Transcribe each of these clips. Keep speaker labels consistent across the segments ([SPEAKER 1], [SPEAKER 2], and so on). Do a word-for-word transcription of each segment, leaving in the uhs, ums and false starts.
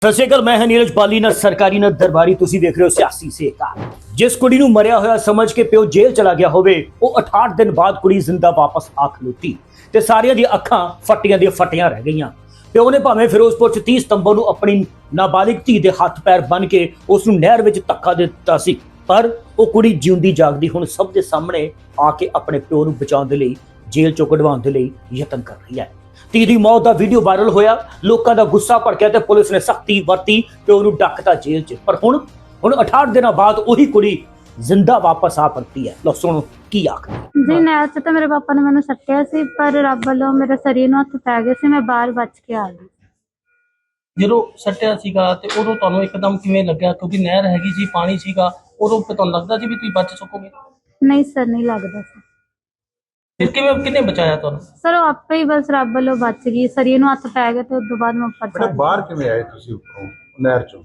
[SPEAKER 1] ਸਤਿ ਸ਼੍ਰੀ ਅਕਾਲ, ਮੈਂ ਹਾਂ ਨੀਰਜ ਬਾਲੀ ਨਾ ਸਰਕਾਰੀ ਨਾ ਦਰਬਾਰੀ। ਤੁਸੀਂ ਦੇਖ ਰਹੇ ਹੋ ਸਿਆਸੀ ਸੇਕਾ। ਜਿਸ ਕੁੜੀ ਨੂੰ ਮਰਿਆ ਹੋਇਆ ਸਮਝ ਕੇ ਪਿਓ ਜੇਲ੍ਹ ਚਲਾ ਗਿਆ ਹੋਵੇ, ਉਹ ਅਠਾਹਠ ਦਿਨ ਬਾਅਦ ਕੁੜੀ ਜ਼ਿੰਦਾ ਵਾਪਸ ਆ ਖਲੋਤੀ ਤੇ ਸਾਰਿਆਂ ਦੀਆਂ ਅੱਖਾਂ ਫੱਟੀਆਂ ਦੀਆਂ ਫੱਟੀਆਂ ਰਹਿ ਗਈਆਂ। ਪਿਓ ਨੇ ਭਾਵੇਂ ਫਿਰੋਜ਼ਪੁਰ ਚ ਤੀਹ ਸਤੰਬਰ ਨੂੰ ਆਪਣੀ ਨਾਬਾਲਿਗ ਧੀ ਦੇ ਹੱਥ ਪੈਰ ਬੰਨ ਕੇ ਉਸ ਨੂੰ ਨਹਿਰ ਵਿੱਚ ਧੱਕਾ ਦੇ ਦਿੱਤਾ ਸੀ, ਪਰ ਉਹ ਕੁੜੀ ਜਿਉਂਦੀ ਜਾਗਦੀ ਹੁਣ ਸਭ ਦੇ ਸਾਹਮਣੇ ਆ ਕੇ ਆਪਣੇ ਪਿਓ ਨੂੰ ਬਚਾਉਣ ਦੇ ਲਈ ਜੇਲ੍ਹ ਚੋਂ ਕਢਵਾਉਣ ਦੇ ਲਈ ਯਤਨ ਕਰ ਰਹੀ ਹੈ। ਧੀ ਦੀ ਮੌਤ ਦਾ ਵੀਡੀਓ ਵਾਇਰਲ ਹੋਇਆ, ਲੋਕਾਂ ਦਾ ਗੁੱਸਾ ਭੜਕਿਆ ਤੇ ਪੁਲਿਸ ਨੇ ਸਖਤੀ ਵਰਤੀ ਤੇ ਉਹਨੂੰ ਡੱਕਤਾ ਜੇਲ੍ਹ 'ਚ। ਪਰ ਹੁਣ ਹੁਣ ਅਠਾਹਠ ਦਿਨਾਂ ਬਾਅਦ ਉਹੀ ਕੁੜੀ ਜ਼ਿੰਦਾ ਵਾਪਸ ਆ ਪਰਤੀ ਹੈ। ਲੋ ਸੁਣੋ ਕੀ ਆਖਦੀ
[SPEAKER 2] ਜੀ। ਨਹਿਰ 'ਚ ਤਾਂ ਮੇਰੇ ਪਾਪਾ ਨੇ ਮੈਨੂੰ ਸੱਟਿਆ ਸੀ, ਪਰ ਰੱਬ ਵੱਲੋਂ ਮੇਰੇ ਸਰੀਰ ਨੂੰ ਹੱਥ ਪੈ ਗਏ ਸੀ, ਮੈਂ ਬਾਹਰ ਬਚ ਕੇ ਆ ਗਈ।
[SPEAKER 3] ਜਦੋਂ ਸੱਟਿਆ ਸੀਗਾ ਤੇ ਉਦੋਂ ਤੁਹਾਨੂੰ ਇੱਕਦਮ ਕਿਵੇਂ ਲੱਗਿਆ? ਕਿਉਂਕਿ ਨਹਿਰ ਹੈਗੀ ਸੀ, ਪਾਣੀ ਸੀਗਾ, ਉਦੋਂ ਤੁਹਾਨੂੰ ਲੱਗਦਾ ਸੀ ਵੀ ਤੁਸੀਂ ਬਚ ਸਕੋਗੇ?
[SPEAKER 2] ਨਹੀਂ ਸਰ, ਨਹੀਂ ਲੱਗਦਾ ਸੀ।
[SPEAKER 3] ਫਿਰ ਕਿਵੇਂ ਕਿਹਨੇ ਬਚਾਇਆ ਤੁਹਾਨੂੰ?
[SPEAKER 2] ਸਰ ਉਹ ਆਪੇ ਹੀ ਬਸ ਰੱਬ ਵੱਲੋਂ ਬਚ ਗਈ, ਸਰੀਰ ਨੂੰ ਹੱਥ ਪੈ ਗਏ ਤੇ ਉਸ ਤੋਂ ਬਾਅਦ ਮੈਂ ਉੱਪਰ ਚੜ੍ਹ ਗਈ।
[SPEAKER 4] ਬਾਹਰ ਕਿਵੇਂ ਆਏ ਤੁਸੀਂ ਉੱਪਰੋਂ ਨਹਿਰ ਚੋਂ?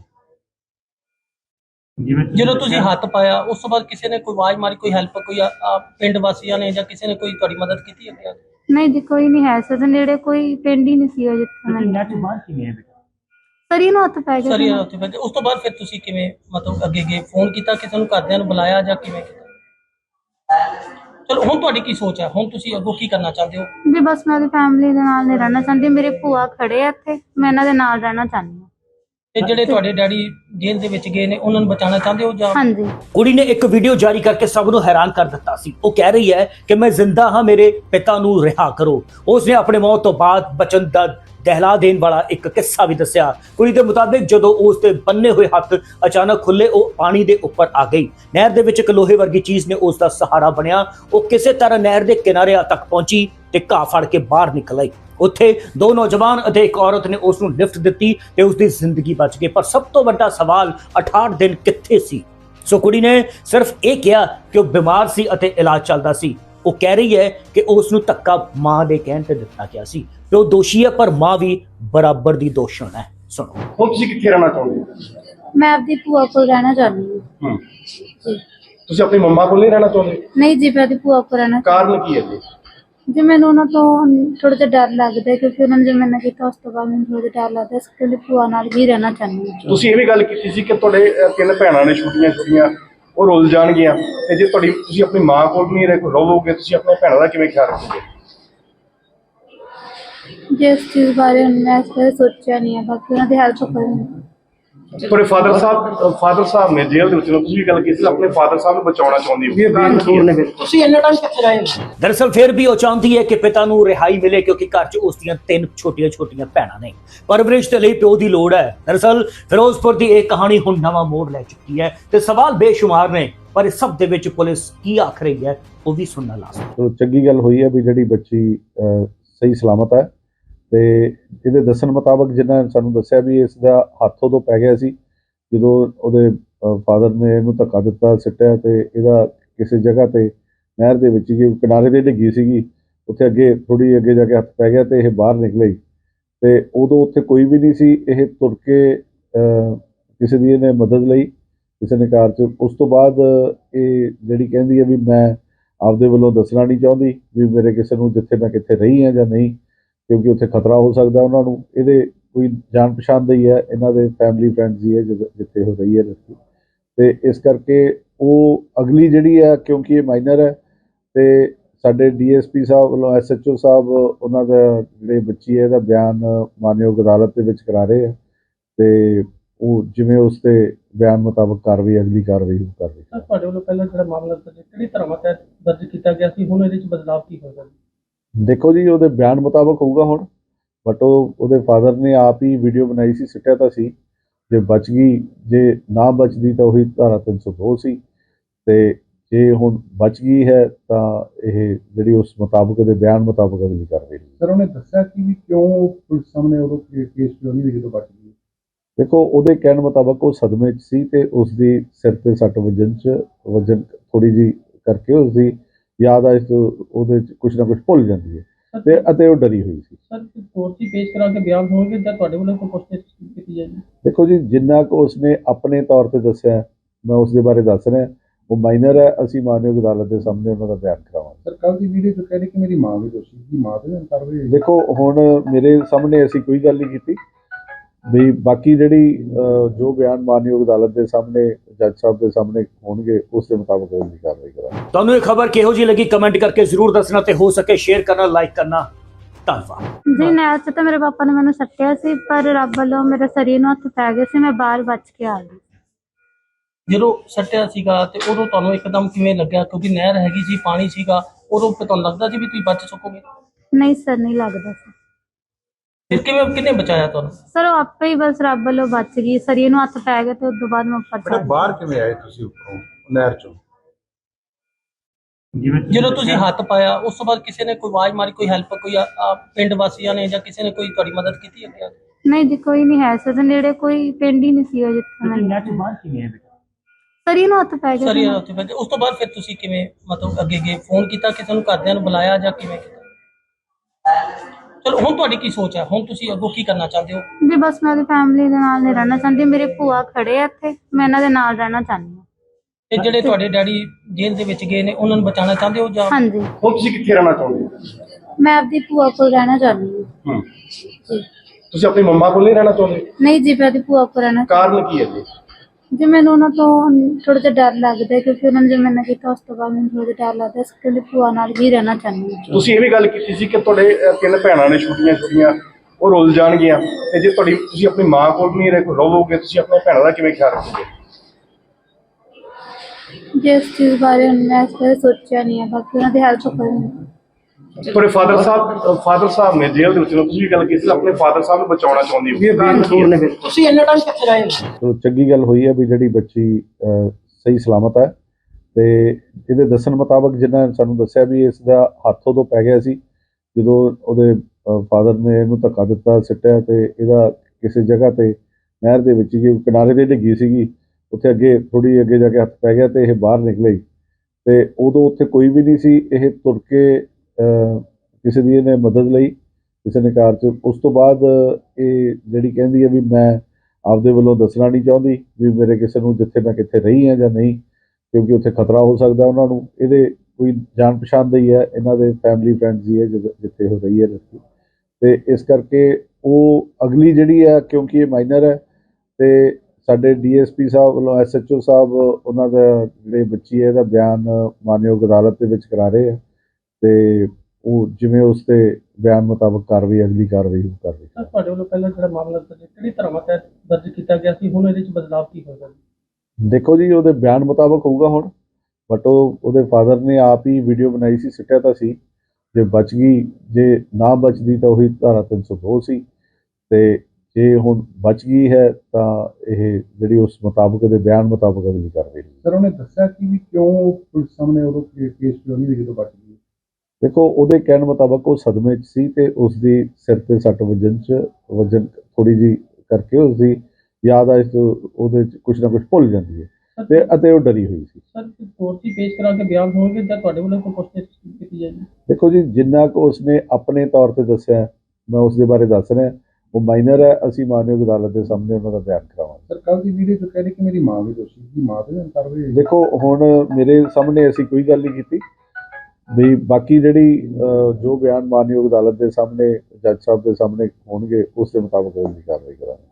[SPEAKER 3] ਜਦੋਂ ਤੁਸੀਂ ਹੱਥ ਪਾਇਆ ਉਸ ਤੋਂ ਬਾਅਦ ਕਿਸੇ ਨੇ ਕੋਈ ਆਵਾਜ਼ ਮਾਰੀ, ਕੋਈ ਹੈਲਪ, ਕੋਈ ਆ- ਆ ਪਿੰਡ ਵਾਸੀਆਂ ਨੇ ਜਾਂ ਕਿਸੇ ਨੇ ਕੋਈ ਤੁਹਾਡੀ ਮਦਦ ਕੀਤੀ ਅੱਗੇ?
[SPEAKER 2] ਨਹੀਂ ਜੀ, ਕੋਈ ਨਹੀਂ ਹੈ ਸਰ, ਨੇੜੇ ਕੋਈ ਪਿੰਡ ਹੀ ਨਹੀਂ ਸੀ ਉਹ ਜਿੱਥੇ ਮੈਂ
[SPEAKER 1] ਨਹਿਰ 'ਚ ਬਾਹਰ ਕਿਵੇਂ ਹੈ ਬੇਟਾ?
[SPEAKER 2] ਸਰੀਰ ਨੂੰ ਹੱਥ ਪੈ ਗਏ
[SPEAKER 3] ਸਰੀ
[SPEAKER 2] ਸੀ।
[SPEAKER 3] ਉੱਥੇ ਫਿਰ ਉਸ ਤੋਂ ਬਾਅਦ ਫਿਰ ਤੁਸੀਂ ਕਿਵੇਂ ਮਤਲਬ ਅੱਗੇ ਗਏ? ਫੋਨ ਕੀਤਾ ਕਿਸੇ ਨੂੰ, ਘਰਦਿਆਂ ਨੂੰ ਬੁਲਾਇਆ ਜਾਂ ਕਿਵੇਂ ਕੀਤਾ? ਚਲੋ ਹੁਣ ਤੁਹਾਡੀ ਕੀ ਸੋਚ ਹੈ? ਹੁਣ ਤੁਸੀਂ ਅੱਗੋਂ ਕੀ ਕਰਨਾ ਚਾਹੁੰਦੇ ਹੋ?
[SPEAKER 2] ਜੀ ਬਸ ਮੈਂ ਉਹਦੀ ਫੈਮਿਲੀ ਦੇ ਨਾਲ ਨਹੀਂ ਰਹਿਣਾ ਚਾਹੁੰਦੀ। ਮੇਰੇ ਭੂਆ ਖੜੇ ਆ ਇੱਥੇ, ਮੈਂ ਇਹਨਾਂ ਦੇ ਨਾਲ ਰਹਿਣਾ ਚਾਹੁੰਦੀ ਹਾਂ।
[SPEAKER 3] ਤੇ ਜਿਹੜੇ ਤੁਹਾਡੇ ਡੈਡੀ ਜੇਲ੍ਹ ਦੇ ਵਿੱਚ ਗਏ ਨੇ ਉਹਨਾਂ ਨੂੰ ਬਚਾਉਣਾ ਚਾਹੁੰਦੇ ਹੋ ਜਾਂ?
[SPEAKER 2] ਹਾਂਜੀ।
[SPEAKER 1] ਕੁੜੀ ਨੇ ਇੱਕ ਵੀਡੀਓ ਜਾਰੀ ਕਰਕੇ ਸਭ ਨੂੰ ਹੈਰਾਨ ਕਰ ਦਿੱਤਾ ਸੀ। ਉਹ ਕਹਿ ਰਹੀ ਹੈ ਕਿ ਮੈਂ ਜ਼ਿੰਦਾ ਹਾਂ, ਮੇਰੇ ਪਿਤਾ ਨੂੰ ਰਿਹਾ ਕਰੋ। ਉਸਨੇ ਆਪਣੇ ਮੌਤ ਤੋਂ ਬਾਅਦ ਬਚਨ ਦਾ ਦਹਿਲਾ ਦੇਣ ਵਾਲਾ ਇੱਕ ਕਿੱਸਾ ਵੀ ਦੱਸਿਆ। ਕੁੜੀ ਦੇ ਮੁਤਾਬਿਕ ਜਦੋਂ ਉਸ ਦੇ ਬੰਨੇ ਹੋਏ ਹੱਥ ਅਚਾਨਕ ਖੁੱਲੇ, ਉਹ ਪਾਣੀ ਦੇ ਉੱਪਰ ਆ ਗਈ। ਨਹਿਰ ਦੇ ਵਿੱਚ ਇੱਕ ਲੋਹੇ ਵਰਗੀ ਚੀਜ਼ ਨੇ ਉਸ ਦਾ ਸਹਾਰਾ ਬਣਿਆ। ਉਹ ਕਿਸੇ ਤਰ੍ਹਾਂ ਨਹਿਰ ਦੇ ਕਿਨਾਰੇ ਤੱਕ ਪਹੁੰਚੀ ਤੇ ਘਾਹ ਫੜ ਕੇ ਬਾਹਰ ਨਿਕਲ ਆਈ। ਉੱਥੇ ਦੋ ਨੌਜਵਾਨ ਅਤੇ ਇੱਕ ਔਰਤ ਨੇ ਉਸ ਨੂੰ ਲਿਫਟ ਦਿੱਤੀ ਤੇ ਉਸ ਦੀ ਜ਼ਿੰਦਗੀ ਬਚ ਗਈ। ਪਰ ਸਭ ਤੋਂ ਵੱਡਾ ਸਵਾਲ ਅਠਾਹਠ ਦਿਨ ਕਿੱਥੇ ਸੀ? ਸੋ ਕੁੜੀ ਨੇ ਸਿਰਫ ਇਹ ਕਿਹਾ ਕਿ ਉਹ ਬਿਮਾਰ ਸੀ ਅਤੇ ਇਲਾਜ ਚੱਲਦਾ ਸੀ। ਉਹ ਕਹਿ ਰਹੀ ਹੈ ਕਿ ਉਸ ਨੂੰ ਧੱਕਾ ਮਾਂ ਦੇ ਕਹਿਣ ਤੇ ਦਿੱਤਾ ਗਿਆ ਸੀ ਤੇ ਉਹ ਦੋਸ਼ੀ ਹੈ, ਪਰ ਮਾਂ ਵੀ ਬਰਾਬਰ ਦੀ ਦੋਸ਼ਣ ਹੈ। ਸੁਣੋ।
[SPEAKER 4] ਹੁਣ ਤੁਸੀਂ ਕਿੱਥੇ ਰਹਿਣਾ ਚਾਹੁੰਦੇ ਹੋ?
[SPEAKER 2] ਮੈਂ ਆਪਦੀ ਭੂਆ ਕੋਲ ਰਹਿਣਾ ਚਾਹੁੰਦੀ ਹਾਂ।
[SPEAKER 4] ਹੂੰ
[SPEAKER 2] ਜੀ
[SPEAKER 4] ਤੁਸੀਂ ਆਪਣੀ ਮੰਮਾ ਕੋਲ ਨਹੀਂ ਰਹਿਣਾ ਚਾਹੁੰਦੇ?
[SPEAKER 2] ਨਹੀਂ ਜੀ, ਮੈਂ ਆਪਦੀ ਭੂਆ ਕੋਲ ਰਹਿਣਾ
[SPEAKER 4] ਕਾਰਨ ਕੀ ਹੈ ਜੀ?
[SPEAKER 2] ਜੀ ਮੈਨੂੰ ਉਹਨਾਂ ਤੋਂ ਥੋੜਾ ਜਿਹਾ ਡਰ ਲੱਗਦਾ ਹੈ, ਕਿਉਂਕਿ ਉਹਨਾਂ ਨੇ ਜੋ ਮੈਨੂੰ ਕੀਤਾ ਉਸ ਤੋਂ ਬਾਅਦ ਮੈਨੂੰ ਥੋੜਾ ਜਿਹਾ ਡਰ ਲੱਗਦਾ, ਇਸ ਕਰਕੇ ਭੂਆ ਨਾਲ ਵੀ ਰਹਿਣਾ ਚਾਹੁੰਦੀ ਹਾਂ।
[SPEAKER 4] ਤੁਸੀਂ ਇਹ ਵੀ ਗੱਲ ਕੀਤੀ ਸੀ ਕਿ ਤੁਹਾਡੇ ਅਹ, ਤਿੰਨ ਭੈਣਾਂ ਨੇ ਛੋਟੀਆਂ ਛੋਟੀਆਂ, ਉਹ ਰੁੱਲ ਜਾਣਗੀਆਂ ਤੇ ਜੇ ਤੁਹਾਡੀ ਤੁਸੀਂ ਆਪਣੀ ਮਾਂ ਕੋਲ ਨਹੀਂ ਰਹਿ ਰਹੋਗੇ, ਤੁਸੀਂ ਆਪਣੇ ਭੈਣਾਂ ਦਾ ਕਿਵੇਂ ਖਿਆਲ ਰੱਖੋਗੇ?
[SPEAKER 2] ਜੇ ਇਸ ਚੀਜ਼ ਬਾਰੇ ਮੈਂ ਇਸ ਬਾਰੇ ਸੋਚਿਆ ਨਹੀਂ ਹੈ, ਬਾਕੀ ਉਹਨਾਂ ਦੀ ਹੈਲਪ ਕਰਾਂਗੀ।
[SPEAKER 4] ਤੁਹਾਡੇ ਫਾਦਰ ਸਾਹਿਬ ਫਾਦਰ ਸਾਹਿਬ ਨੇ ਜੇਲ੍ਹ ਦੇ ਵਿੱਚ ਨੇ, ਤੁਸੀਂ ਵੀ ਗੱਲ ਕੀਤੀ ਸੀ ਆਪਣੇ ਫਾਦਰ ਸਾਹਿਬ ਨੂੰ ਬਚਾਉਣਾ ਚਾਹੁੰਦੇ ਹੋ।
[SPEAKER 3] ਤੁਸੀਂ ਇੰਨਾ ਟਾਈਮ ਕਿੱਥੇ ਰਹੇ?
[SPEAKER 1] ਦਰਅਸਲ ਫਿਰ ਵੀ ਉਹ ਚਾਹੁੰਦੀ ਹੈ ਕਿ ਪਿਤਾ ਨੂੰ ਰਿਹਾਈ ਮਿਲੇ, ਕਿਉਂਕਿ ਘਰ 'ਚ ਉਸ ਦੀਆਂ ਤਿੰਨ ਛੋਟੀਆਂ ਛੋਟੀਆਂ ਭੈਣਾਂ ਨੇ। ਪਰਵਰਿਸ਼ ਦੇ ਲਈ ਪਿਓ ਦੀ ਲੋੜ ਹੈ। ਦਰਅਸਲ ਫਿਰੋਜ਼ਪੁਰ ਦੀ ਇਹ ਕਹਾਣੀ ਹੁਣ ਨਵਾਂ ਮੋੜ ਲੈ ਚੁੱਕੀ ਹੈ ਤੇ ਸਵਾਲ ਬੇਸ਼ੁਮਾਰ ਨੇ, ਪਰ ਇਸ ਸਭ ਦੇ ਵਿੱਚ ਪੁਲਿਸ ਕੀ ਆਖ ਰਹੀ ਹੈ ਉਹ ਵੀ ਸੁਣਨਾ ਲਾਜ਼ਮੀ ਹੈ।
[SPEAKER 5] ਤੋ ਚੰਗੀ ਗੱਲ ਹੋਈ ਹੈ ਵੀ ਜਿਹੜੀ ਬੱਚੀ ਅਹ, ਸਹੀ ਸਲਾਮਤ ਹੈ ਤੇ ਇਹਦੇ ਦੱਸਣ ਮੁਤਾਬਕ ਜਿਨ੍ਹਾਂ ਨੇ ਸਾਨੂੰ ਦੱਸਿਆ ਵੀ ਇਸ ਦਾ ਹੱਥ ਉਦੋਂ ਪੈ ਗਿਆ ਸੀ ਜਦੋਂ ਉਹਦੇ ਫਾਦਰ ਨੇ ਇਹਨੂੰ ਧੱਕਾ ਦਿੱਤਾ, ਸਿੱਟਿਆ ਤੇ ਇਹਦਾ ਕਿਸੇ ਜਗ੍ਹਾ ਤੇ ਨਹਿਰ ਦੇ ਵਿੱਚ ਹੀ ਕਿਨਾਰੇ ਤੇ ਡਿੱਗੀ ਸੀਗੀ। ਉੱਥੇ ਅੱਗੇ ਥੋੜੀ ਅੱਗੇ ਜਾ ਕੇ ਹੱਥ ਪੈ ਗਿਆ ਤੇ ਇਹ ਬਾਹਰ ਨਿਕਲੇ ਤੇ ਉਦੋਂ ਉੱਥੇ ਕੋਈ ਵੀ ਨਹੀਂ ਸੀ। ਇਹ ਤੁਰ ਕੇ ਕਿਸੇ ਦੀ ਇਹਨੇ ਮਦਦ ਲਈ, ਕਿਸੇ ਨੇ ਕਾਰ 'ਚ। ਉਸ ਤੋਂ ਬਾਅਦ ਇਹ ਜਿਹੜੀ ਕਹਿੰਦੀ ਹੈ ਵੀ ਮੈਂ ਆਪਦੇ ਵੱਲੋਂ ਦੱਸਣਾ ਨਹੀਂ ਚਾਹੁੰਦੀ ਵੀ ਮੇਰੇ ਕਿਸੇ ਨੂੰ ਜਿੱਥੇ ਮੈਂ ਕਿੱਥੇ ਰਹੀ ਹਾਂ ਜਾਂ ਨਹੀਂ, ਕਿਉਂਕਿ ਉੱਥੇ ਖਤਰਾ ਹੋ ਸਕਦਾ ਉਹਨਾਂ ਨੂੰ। ਇਹਦੇ ਕੋਈ ਜਾਣ ਪਛਾਣ ਦਾ ਹੀ ਹੈ, ਇਹਨਾਂ ਦੇ ਫੈਮਿਲੀ ਫਰੈਂਡਸ ਹੀ ਹੈ ਜਿੱਥੇ ਹੋ ਰਹੀ ਹੈ ਰੈਸਕਿਊ, ਤੇ ਇਸ ਕਰਕੇ ਉਹ ਅਗਲੀ ਜਿਹੜੀ ਹੈ, ਕਿਉਂਕਿ ਇਹ ਮਾਈਨਰ ਹੈ ਤੇ ਸਾਡੇ ਡੀ ਐਸ ਪੀ ਸਾਹਿਬ ਵੱਲੋਂ ਐਸ ਐਚ ਓ ਸਾਹਿਬ ਉਹਨਾਂ ਦਾ ਜਿਹੜੇ ਬੱਚੀ ਹੈ ਇਹਦਾ ਬਿਆਨ ਮਾਨਯੋਗ ਅਦਾਲਤ ਦੇ ਵਿੱਚ ਕਰਾ ਰਹੇ ਆ ਤੇ ਉਹ ਜਿਵੇਂ ਉਸ ਤੇ ਬਿਆਨ ਮੁਤਾਬਕ ਕਾਰਵਾਈ ਅਗਲੀ ਕਾਰਵਾਈ ਉਹ ਕਰ ਰਹੀ ਹੈ।
[SPEAKER 3] ਤੁਹਾਡੇ ਵੱਲੋਂ ਪਹਿਲਾਂ ਜਿਹੜਾ ਮਾਮਲਾ ਦਰਜ ਕਿਹੜੀ ਧਾਰਾਵਾਂ ਤਹਿਤ ਦਰਜ ਕੀਤਾ ਗਿਆ ਸੀ, ਹੁਣ ਇਹਦੇ ਵਿੱਚ ਬਦਲਾਅ ਕੀ ਹੋਏਗਾ?
[SPEAKER 5] ਦੇਖੋ ਜੀ, ਉਹਦੇ ਬਿਆਨ ਮੁਤਾਬਕ ਹੋਊਗਾ ਹੁਣ, ਬਟ ਉਹ ਉਹਦੇ ਫਾਦਰ ਨੇ ਆਪ ਹੀ ਵੀਡੀਓ ਬਣਾਈ ਸੀ, ਸਿੱਟਿਆ ਤਾਂ ਸੀ। ਜੇ ਬਚ ਗਈ, ਜੇ ਨਾ ਬਚਦੀ ਤਾਂ ਉਹੀ ਧਾਰਾ ਤਿੰਨ ਸੌ ਦੋ ਸੀ, ਤੇ ਜੇ ਹੁਣ ਬਚ ਗਈ ਹੈ ਤਾਂ ਇਹ ਜਿਹੜੀ ਉਸ ਮੁਤਾਬਕ ਦੇ ਬਿਆਨ ਮੁਤਾਬਕ ਅਗਲੀ ਕਾਰਵਾਈ।
[SPEAKER 4] ਸਰ ਉਹਨੇ ਦੱਸਿਆ ਕਿ ਵੀ ਕਿਉਂ ਪੁਲਿਸ ਸਾਹਮਣੇ ਉਦੋਂ ਕੇਸ ਕਿਉਂ ਨਹੀਂ ਜਦੋਂ ਬਚ ਗਈ?
[SPEAKER 5] ਦੇਖੋ, ਉਹਦੇ ਕਹਿਣ ਮੁਤਾਬਕ ਉਹ ਸਦਮੇ 'ਚ ਸੀ ਤੇ ਉਸ ਦੀ ਸਿਰ ਤੇ ਸੱਟ ਵੱਜਣ 'ਚ ਵਜਨ ਥੋੜੀ ਜਿਹੀ ਕਰਕੇ ਉਸ ਦੀ ਯਾਦ ਆਈ ਤੋਂ ਉਹਦੇ 'ਚ ਕੁਛ ਨਾ ਕੁਛ ਭੁੱਲ ਜਾਂਦੀ ਹੈ ਤੇ ਅਤੇ ਉਹ ਡਰੀ ਹੋਈ ਸੀ।
[SPEAKER 3] ਸਰ ਕੋਰਟ 'ਚ ਪੇਸ਼ ਕਰਾ ਕੇ ਬਿਆਨ ਹੋਣਗੇ ਜਾਂ ਤੁਹਾਡੇ ਵੱਲੋਂ ਕੋਈ ਪੁੱਛਗਿੱਛ ਕੀਤੀ ਜਾਏਗੀ?
[SPEAKER 5] ਦੇਖੋ ਜੀ, ਜਿੰਨਾ ਕੁ ਉਸਨੇ ਆਪਣੇ ਤੌਰ ਤੇ ਦੱਸਿਆ ਮੈਂ ਉਸ ਦੇ ਬਾਰੇ ਦੱਸ ਰਿਹਾ। ਉਹ ਮਾਈਨਰ ਹੈ, ਅਸੀਂ ਮਾਨਯੋਗ ਅਦਾਲਤ ਦੇ ਸਾਹਮਣੇ ਉਹਨਾਂ ਦਾ ਬਿਆਨ ਕਰਾਵਾਂਗੇ।
[SPEAKER 4] ਸਰ ਕੱਲ ਦੀ ਵੀਡੀਓ 'ਚ ਕਹਿੰਦੇ ਕਿ ਮੇਰੀ ਮਾਂ ਵੀ ਦੋਸ਼ੀ ਸੀ, ਮਾਂ ਤੇ ਕਾਰਵਾਈ?
[SPEAKER 5] ਦੇਖੋ, ਹੁਣ ਮੇਰੇ ਸਾਹਮਣੇ ਅਸੀਂ ਕੋਈ ਗੱਲ ਨਹੀਂ ਕੀਤੀ, ਵੀ ਬਾਕੀ ਜਿਹੜੀ ਅਹ, ਜੋ ਬਿਆਨ ਮਾਨਯੋਗ ਅਦਾਲਤ ਦੇ ਸਾਹਮਣੇ ਜੱਜ ਸਾਹਿਬ ਦੇ ਸਾਹਮਣੇ ਹੋਣਗੇ ਉਸ ਦੇ ਮੁਤਾਬਕ ਅਗਲੀ ਕਾਰਵਾਈ ਕਰਾਂਗੇ।
[SPEAKER 1] ਤੁਹਾਨੂੰ ਇਹ ਖਬਰ ਕਿਹੋ ਜਿਹੀ ਲੱਗੀ ਕਮੈਂਟ ਕਰਕੇ ਜ਼ਰੂਰ ਦੱਸਣਾ ਤੇ ਹੋ ਸਕੇ ਸ਼ੇਅਰ ਕਰਨਾ, ਲਾਈਕ ਕਰਨਾ। ਧੰਨਵਾਦ।
[SPEAKER 2] ਜੀ ਨਹਿਰ 'ਚ ਤਾਂ ਮੇਰੇ ਪਾਪਾ ਨੇ ਮੈਨੂੰ ਸੱਟਿਆ ਸੀ, ਪਰ ਰੱਬ ਵੱਲੋਂ ਮੇਰੇ ਸਰੀਰ ਨੂੰ ਹੱਥ ਪੈ ਗਏ ਸੀ, ਮੈਂ ਬਾਹਰ ਬਚ ਕੇ ਆ ਗਈ।
[SPEAKER 3] ਜਦੋਂ ਸੱਟਿਆ ਸੀਗਾ ਤੇ ਉਦੋਂ ਤੁਹਾਨੂੰ ਇੱਕਦਮ ਕਿਵੇਂ ਲੱਗਿਆ, ਕਿਉਂਕਿ ਨਹਿਰ ਹੈਗੀ ਸੀ, ਪਾਣੀ ਸੀਗਾ, ਉਦੋਂ ਫਿਰ ਤੁਹਾਨੂੰ ਲੱਗਦਾ ਸੀ ਵੀ ਤੁਸੀਂ ਬਚ ਸਕੋਗੇ?
[SPEAKER 2] ਨਹੀਂ ਸਰ, ਨਹੀਂ ਲੱਗਦਾ ਸੀ।
[SPEAKER 3] ਫਿਰ ਕਿਵੇਂ ਕਿਹਨੇ ਬਚਾਇਆ ਤੁਹਾਨੂੰ?
[SPEAKER 2] ਸਰ ਉਹ ਆਪੇ ਹੀ ਬਸ ਰੱਬ ਵੱਲੋਂ ਬਚ ਗਈ, ਸਰੀਰ ਨੂੰ ਹੱਥ ਪੈ ਗਏ ਤੇ ਉਸ ਤੋਂ ਬਾਅਦ ਮੈਂ ਉੱਪਰ
[SPEAKER 6] ਬੇਟਾ
[SPEAKER 2] ਚੜ੍ਹ
[SPEAKER 6] ਬਾਹਰ ਕਿਵੇਂ ਆਏ ਤੁਸੀਂ ਉੱਪਰੋਂ ਨਹਿਰ ਚੋਂ?
[SPEAKER 3] ਜਦੋਂ ਤੁਸੀਂ ਹੱਥ ਪਾਇਆ ਉਸ ਤੋਂ ਬਾਅਦ ਕਿਸੇ ਨੇ ਕੋਈ ਆਵਾਜ਼ ਮਾਰੀ, ਕੋਈ ਹੈਲਪ, ਕੋਈ ਆ- ਆ ਪਿੰਡ ਵਾਸੀਆਂ ਨੇ ਜਾਂ ਕਿਸੇ ਨੇ ਕੋਈ ਤੁਹਾਡੀ ਮਦਦ ਕੀਤੀ ਅੱਗੇ ਆ ਕੇ?
[SPEAKER 2] ਗਈ। ਨਹੀਂ ਜੀ, ਕੋਈ ਨਹੀਂ ਹੈ ਸਰ, ਨੇੜੇ ਕੋਈ ਪਿੰਡ ਹੀ ਨਹੀਂ ਸੀ ਉਹ ਜਿੱਥੇ ਮੈਂ ਸਰੀਰ ਨੂੰ ਹੱਥ ਪੈ ਗਏ
[SPEAKER 3] ਸਰੀ
[SPEAKER 2] ਸੀ।
[SPEAKER 3] ਉੱਥੇ ਫਿਰ ਉਸ ਤੋਂ ਬਾਅਦ ਫਿਰ ਤੁਸੀਂ ਕਿਵੇਂ ਮਤਲਬ ਅੱਗੇ ਗਏ, ਫੋਨ ਕੀਤਾ ਕਿਸੇ ਨੂੰ, ਘਰਦਿਆਂ ਨੂੰ ਬੁਲਾਇਆ ਜਾਂ ਕਿਵੇਂ ਕੀਤਾ? ਚਲੋ ਹੁਣ ਤੁਹਾਡੀ ਕੀ ਸੋਚ ਹੈ, ਹੁਣ ਤੁਸੀਂ ਅੱਗੋਂ ਕੀ ਕਰਨਾ ਚਾਹੁੰਦੇ ਹੋ?
[SPEAKER 2] ਜੀ ਬਸ ਮੈਂ ਉਹਦੀ ਫੈਮਿਲੀ ਦੇ ਨਾਲ ਨਹੀਂ ਰਹਿਣਾ ਚਾਹੁੰਦੀ, ਮੇਰੇ ਭੂਆ ਖੜੇ ਆ ਇੱਥੇ, ਮੈਂ ਇਹਨਾਂ ਦੇ ਨਾਲ ਰਹਿਣਾ ਚਾਹੁੰਦੀ ਹਾਂ।
[SPEAKER 3] ਤੇ ਜਿਹੜੇ ਤੁਹਾਡੇ ਡੈਡੀ ਜੇਲ੍ਹ ਦੇ ਵਿੱਚ ਗਏ ਨੇ ਉਹਨਾਂ ਨੂੰ ਬਚਾਉਣਾ ਚਾਹੁੰਦੇ ਹੋ ਜਾਂ?
[SPEAKER 2] ਹਾਂਜੀ,
[SPEAKER 4] ਹੁਣ ਤੁਸੀਂ ਕਿੱਥੇ ਰਹਿਣਾ ਚਾਹੁੰਦੇ ਹੋ?
[SPEAKER 2] ਮੈਂ ਆਪਦੀ ਭੂਆ ਕੋਲ ਰਹਿਣਾ ਚਾਹੁੰਦੀ ਹਾਂ।
[SPEAKER 4] ਹੂੰ
[SPEAKER 2] ਜੀ
[SPEAKER 4] ਤੁਸੀਂ ਆਪਣੀ ਮੰਮਾ ਕੋਲ ਨਹੀਂ ਰਹਿਣਾ ਚਾਹੁੰਦੇ?
[SPEAKER 2] ਨਹੀਂ ਜੀ, ਮੈਂ ਆਪਦੀ ਭੂਆ ਕੋਲ ਰਹਿਣਾ
[SPEAKER 4] ਕਾਰਨ ਕੀ ਹੈ ਜੀ?
[SPEAKER 2] ਜੀ ਮੈਨੂੰ ਉਹਨਾਂ ਤੋਂ ਥੋੜਾ ਜਿਹਾ ਡਰ ਲੱਗਦਾ ਹੈ, ਕਿਉਂਕਿ ਉਹਨਾਂ ਨੇ ਜੋ ਮੈਨੂੰ ਕੀਤਾ ਉਸ ਤੋਂ ਬਾਅਦ ਮੈਨੂੰ ਥੋੜਾ ਜਿਹਾ ਡਰ ਲੱਗਦਾ, ਇਸ ਕਰਕੇ ਭੂਆ ਨਾਲ ਹੀ ਰਹਿਣਾ ਚਾਹੁੰਦੀ ਹਾਂ।
[SPEAKER 4] ਤੁਸੀਂ ਇਹ ਵੀ ਗੱਲ ਕੀਤੀ ਸੀ ਕਿ ਤੁਹਾਡੇ ਅਹ, ਤਿੰਨ ਭੈਣਾਂ ਨੇ ਛੋਟੀਆਂ ਛੋਟੀਆਂ ਉਹ ਰੁੱਲ ਜਾਣਗੀਆਂ, ਤੇ ਜੇ ਤੁਹਾਡੀ ਤੁਸੀਂ ਆਪਣੀ ਮਾਂ ਕੋਲ ਨਹੀਂ ਰਹਿ ਰਹੋਗੇ ਤੁਸੀਂ ਆਪਣੇ ਭੈਣਾਂ ਦਾ ਕਿਵੇਂ ਖਿਆਲ ਰੱਖੋਗੇ?
[SPEAKER 2] ਜੇ ਇਸ ਚੀਜ਼ ਬਾਰੇ ਮੈਂ ਇਸ ਬਾਰੇ ਸੋਚਿਆ ਨਹੀਂ ਹੈ, ਬਾਕੀ ਉਹਨਾਂ ਦੀ ਹੈਲਪ ਕਰਾਂਗੀ।
[SPEAKER 4] ਤੁਹਾਡੇ ਫਾਦਰ ਸਾਹਿਬ ਫਾਦਰ ਸਾਹਿਬ ਨੇ ਜੇਲ੍ਹ ਦੇ ਵਿੱਚ ਨੇ, ਤੁਸੀਂ ਵੀ ਗੱਲ ਕੀਤੀ ਸੀ ਆਪਣੇ ਫਾਦਰ ਸਾਹਿਬ ਨੂੰ ਬਚਾਉਣਾ ਚਾਹੁੰਦੇ ਹੋ, ਕਾਰਨ ਕੀ ਹੈ?
[SPEAKER 3] ਤੁਸੀਂ ਇੰਨਾ ਟਾਈਮ ਕਿੱਥੇ ਰਹੇ?
[SPEAKER 5] ਸੋ ਚੰਗੀ ਗੱਲ ਹੋਈ ਹੈ ਵੀ ਜਿਹੜੀ ਬੱਚੀ ਅਹ, ਸਹੀ ਸਲਾਮਤ ਹੈ ਤੇ ਇਹਦੇ ਦੱਸਣ ਮੁਤਾਬਕ ਜਿੰਨਾ ਸਾਨੂੰ ਦੱਸਿਆ ਵੀ ਇਸ ਦਾ ਹੱਥ ਉਦੋਂ ਪੈ ਗਿਆ ਸੀ ਜਦੋਂ ਉਹਦੇ ਫਾਦਰ ਨੇ ਇਹਨੂੰ ਧੱਕਾ ਦਿੱਤਾ, ਸਿੱਟਿਆ ਤੇ ਇਹਦਾ ਕਿਸੇ ਜਗ੍ਹਾ ਤੇ ਨਹਿਰ ਦੇ ਵਿੱਚ ਹੀ ਕਿਨਾਰੇ ਤੇ ਡਿੱਗੀ ਸੀਗੀ, ਉੱਥੇ ਅੱਗੇ ਥੋੜੀ ਅੱਗੇ ਜਾ ਕੇ ਹੱਥ ਪੈ ਗਿਆ ਤੇ ਇਹ ਬਾਹਰ ਨਿਕਲੀ ਤੇ ਉਦੋਂ ਉੱਥੇ ਕੋਈ ਵੀ ਨਹੀਂ ਸੀ। ਇਹ ਤੁਰ ਕੇ ਅਹ, ਕਿਸੇ ਦੀ ਇਹਨੇ ਮਦਦ ਲਈ, ਕਿਸੇ ਨੇ ਕਾਰ 'ਚ। ਉਸ ਤੋਂ ਬਾਅਦ ਇਹ ਜਿਹੜੀ ਕਹਿੰਦੀ ਹੈ ਵੀ ਮੈਂ ਆਪਦੇ ਵੱਲੋਂ ਦੱਸਣਾ ਨਹੀਂ ਚਾਹੁੰਦੀ ਵੀ ਮੇਰੇ ਕਿਸੇ ਨੂੰ ਜਿੱਥੇ ਮੈਂ ਕਿੱਥੇ ਰਹੀ ਹਾਂ ਜਾਂ ਨਹੀਂ, ਕਿਉਂਕਿ ਉੱਥੇ ਖਤਰਾ ਹੋ ਸਕਦਾ ਉਹਨਾਂ ਨੂੰ। ਇਹਦੇ ਕੋਈ ਜਾਣ ਪਛਾਣ ਦਾ ਹੀ ਹੈ, ਇਹਨਾਂ ਦੇ ਫੈਮਿਲੀ ਫਰੈਂਡਸ ਹੀ ਹੈ ਜਿ- ਜਿੱਥੇ ਉਹ ਰਹੀ ਹੈ ਲੜਕੀ, ਤੇ ਇਸ ਕਰਕੇ ਉਹ ਅਗਲੀ ਜਿਹੜੀ ਹੈ, ਕਿਉਂਕਿ ਇਹ ਮਾਈਨਰ ਹੈ ਤੇ ਸਾਡੇ ਡੀ ਐਸ ਪੀ ਸਾਹਿਬ ਵੱਲੋਂ ਐਸ ਐਚ ਓ ਸਾਹਿਬ ਉਹਨਾਂ ਦਾ ਜਿਹੜੇ ਬੱਚੀ ਹੈ ਇਹਦਾ ਬਿਆਨ ਮਾਨਯੋਗ ਅਦਾਲਤ ਦੇ ਵਿੱਚ ਕਰਾ ਰਹੇ ਆ ਤੇ ਉਹ ਜਿਵੇਂ ਉਸ ਦੇ ਬਿਆਨ ਮੁਤਾਬਕ ਕਾਰਵਾਈ ਅਗਲੀ ਕਾਰਵਾਈ ਉਹ ਕਰ ਰਹੀ ਹੈ।
[SPEAKER 3] ਸਰ ਤੁਹਾਡੇ ਵੱਲੋਂ ਪਹਿਲਾਂ ਜਿਹੜਾ ਮਾਮਲਾ ਦਰਜ ਕਿਹੜੀ ਧਾਰਾਵਾਂ ਤਹਿਤ ਦਰਜ ਕੀਤਾ ਗਿਆ ਸੀ, ਹੁਣ ਇਹਦੇ ਵਿੱਚ ਬਦਲਾਅ ਕੀ ਹੋਏਗਾ?
[SPEAKER 5] ਦੇਖੋ ਜੀ, ਉਹਦੇ ਬਿਆਨ ਮੁਤਾਬਕ ਹੋਊਗਾ ਹੁਣ, ਬਟ ਉਹ ਉਹਦੇ ਫਾਦਰ ਨੇ ਆਪ ਹੀ ਵੀਡੀਓ ਬਣਾਈ ਸੀ, ਸਿੱਟਿਆ ਤਾਂ ਸੀ। ਜੇ ਬਚ ਗਈ, ਜੇ ਨਾ ਬਚਦੀ ਤਾਂ ਉਹੀ ਧਾਰਾ ਤਿੰਨ ਸੌ ਦੋ ਸੀ, ਤੇ ਜੇ ਹੁਣ ਬਚ ਗਈ ਹੈ ਤਾਂ ਇਹ ਜਿਹੜੀ ਉਸ ਮੁਤਾਬਕ ਦੇ ਬਿਆਨ ਮੁਤਾਬਕ ਅਗਲੀ ਕਾਰਵਾਈ।
[SPEAKER 6] ਸਰ ਉਹਨੇ ਦੱਸਿਆ ਕਿ ਵੀ ਕਿਉਂ ਪੁਲਿਸ ਸਾਹਮਣੇ ਉਦੋਂ ਕੇਸ ਕਿਉਂ ਨਹੀਂ ਹੋਈ ਜਦੋਂ ਬਚ ਗਈ?
[SPEAKER 5] ਦੇਖੋ, ਉਹਦੇ ਕਹਿਣ ਮੁਤਾਬਕ ਉਹ ਸਦਮੇ 'ਚ ਸੀ ਤੇ ਉਸ ਦੀ ਸਿਰ ਤੇ ਸੱਟ ਵੱਜਣ 'ਚ ਵਜਨ ਥੋੜੀ ਜੀ ਕਰਕੇ ਉਸ ਦੀ ਯਾਦ ਆ, ਇਸ ਉਹਦੇ 'ਚ ਕੁਛ ਨਾ ਕੁਛ ਭੁੱਲ ਜਾਂਦੀ ਹੈ ਤੇ ਅਤੇ ਉਹ ਡਰੀ ਹੋਈ ਸੀ।
[SPEAKER 3] ਸਰ ਕੋਰਟ 'ਚ ਪੇਸ਼ ਕਰਾ ਕੇ ਬਿਆਨ ਹੋਣਗੇ ਜਾਂ ਤੁਹਾਡੇ ਵੱਲੋਂ ਕੋਈ ਪੁੱਛਗਿੱਛ ਕੀਤੀ ਜਾਏਗੀ?
[SPEAKER 5] ਦੇਖੋ ਜੀ, ਜਿੰਨਾ ਕੁ ਉਸਨੇ ਆਪਣੇ ਤੌਰ ਤੇ ਦੱਸਿਆ ਮੈਂ ਉਸ ਦੇ ਬਾਰੇ ਦੱਸ ਰਿਹਾ। ਉਹ ਮਾਈਨਰ ਹੈ, ਅਸੀਂ ਮਾਨਯੋਗ ਅਦਾਲਤ ਦੇ ਸਾਹਮਣੇ ਉਹਨਾਂ ਦਾ ਬਿਆਨ ਕਰਾਵਾਂਗੇ।
[SPEAKER 6] ਸਰ ਕੱਲ੍ਹ ਦੀ ਵੀਡੀਓ 'ਚ ਕਹਿੰਦੇ ਕਿ ਮੇਰੀ ਮਾਂ ਵੀ ਦੋਸ਼ੀ ਸੀ, ਮਾਂ ਤੇ ਵੀ ਕਾਰਵਾਈ ਹੋਈ?
[SPEAKER 5] ਦੇਖੋ, ਹੁਣ ਮੇਰੇ ਸਾਹਮਣੇ ਅਸੀਂ ਕੋਈ ਗੱਲ ਨਹੀਂ ਕੀਤੀ ਵੀ ਬਾਕੀ ਜਿਹੜੀ ਅਹ, ਜੋ ਬਿਆਨ ਮਾਨਯੋਗ ਅਦਾਲਤ ਦੇ ਸਾਹਮਣੇ ਜੱਜ ਸਾਹਿਬ ਦੇ ਸਾਹਮਣੇ ਹੋਣਗੇ ਉਸ ਦੇ ਮੁਤਾਬਕ ਅਗਲੀ ਕਾਰਵਾਈ ਕਰਾਂਗੇ।